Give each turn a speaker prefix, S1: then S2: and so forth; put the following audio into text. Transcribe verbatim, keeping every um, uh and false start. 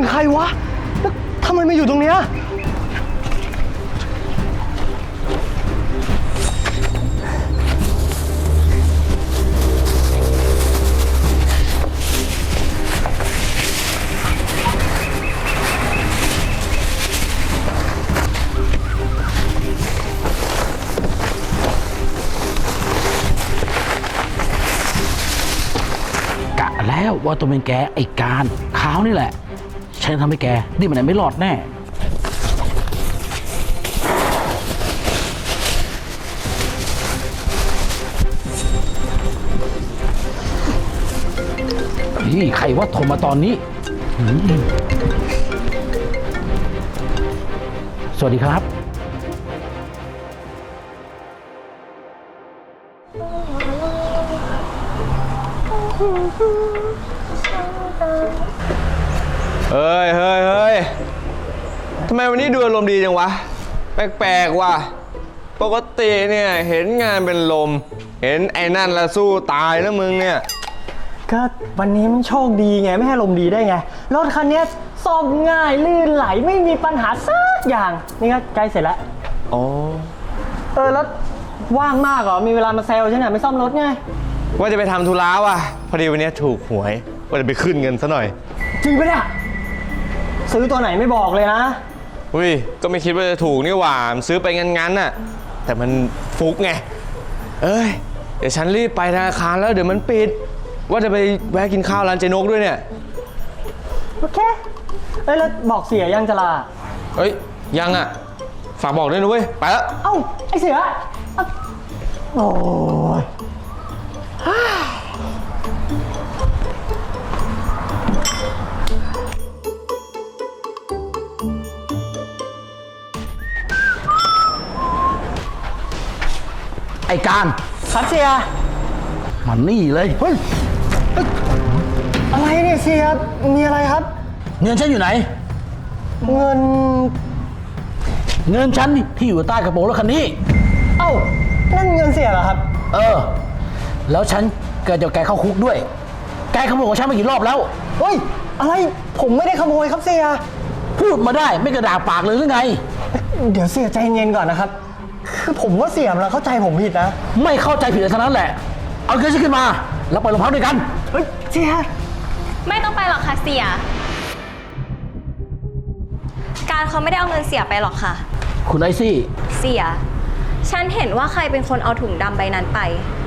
S1: ใครวะแล้วทำไมมาอยู่ตรงเนี้ย
S2: กะแล้วว่าตัวเป็นแกไอ้การขาวนี่แหละฉันทำให้แกนี่มันไม่รอดแน่นี่ใครว่าโทรมาตอนนี้สวัสดีครับ
S3: เฮ้ยเฮ้ยเฮ้ยทำไมวันนี้ดูอารมณ์ดีจังวะแปลกๆว่ะปกติเนี่ยเห็นงานเป็นลมเห็นไอ้นั่นละสู้ตายแล้วมึงเนี่ย
S1: ก็วันนี้มันโชคดีไงไม่ให้ลมดีได้ไงรถคันนี้ซ่อมง่ายลื่นไหลไม่มีปัญหาสักอย่างนี่ก็ใกล้เสร็จแล้ว
S3: อ๋อ
S1: เออแล้วว่างมากเหรอมีเวลามาแซวฉันเนี่ยไม่ซ่อมรถไง
S3: ว่าจะไปทำธุระว่ะพอดีวันนี้ถูกหวยว่าจะไปขึ้นเงินซะหน่อย
S1: จริงปะเนี่ยซื้อตัวไหนไม่บอกเลยนะ
S3: อุ้ยก็ไม่คิดว่าจะถูกนี่หว่าซื้อไปงั้นๆน่ะแต่มันฟุกไงเอ้ยเดี๋ยวฉันรีบไปธนาคารแล้วเดี๋ยวมันปิดว่าจะไปแวะกินข้าวร้านเจนกด้วยเนี่ย
S1: โอเคเอ้ยแล้วบอกเสียยังจะลา
S3: เอ้ยยังอ่ะฝากบอกด้วยนะเว้ยไปแล้ว
S1: เอ้าไอเสียโอ้ย
S2: ไอ้การ
S1: ครับเสีย
S2: มันนี่เลยเฮ้ย
S1: อะไรเนี่ยเสียมีอะไรครับ
S2: เงินฉันอยู่ไหน
S1: เงิน
S2: เงินฉันที่อยู่ใต้กระโปรงรถคันนี้
S1: เอ้านั่นเงินเสียเหรอครับ
S2: เออแล้วฉันเกิดจะแกเข้าคุกด้วยแกขโมยของฉันมากี่รอบแล้ว
S1: เฮ้ยอะไรผมไม่ได้ขโมยครับเสีย
S2: พูดมาได้ไม่กระดาษปากเลยหรือไง
S1: เดี๋ยวเสียใจเย็นก่อนนะครับคือผมว่าเสียมันเข้าใจผมผิดนะ
S2: ไม่เข้าใจผิดเท่านั้นแหละเอาเงินฉันขึ้นมาแล้วไปโรงพักด้วยกัน
S1: เฮ้ยเสีย
S4: ไม่ต้องไปหรอกค่ะเสียการเขาไม่ได้เอาเงินเสียไปหรอกค่ะ
S2: คุณไอซี่
S4: เสียฉันเห็นว่าใครเป็นคนเอาถุงดำใบนั้นไป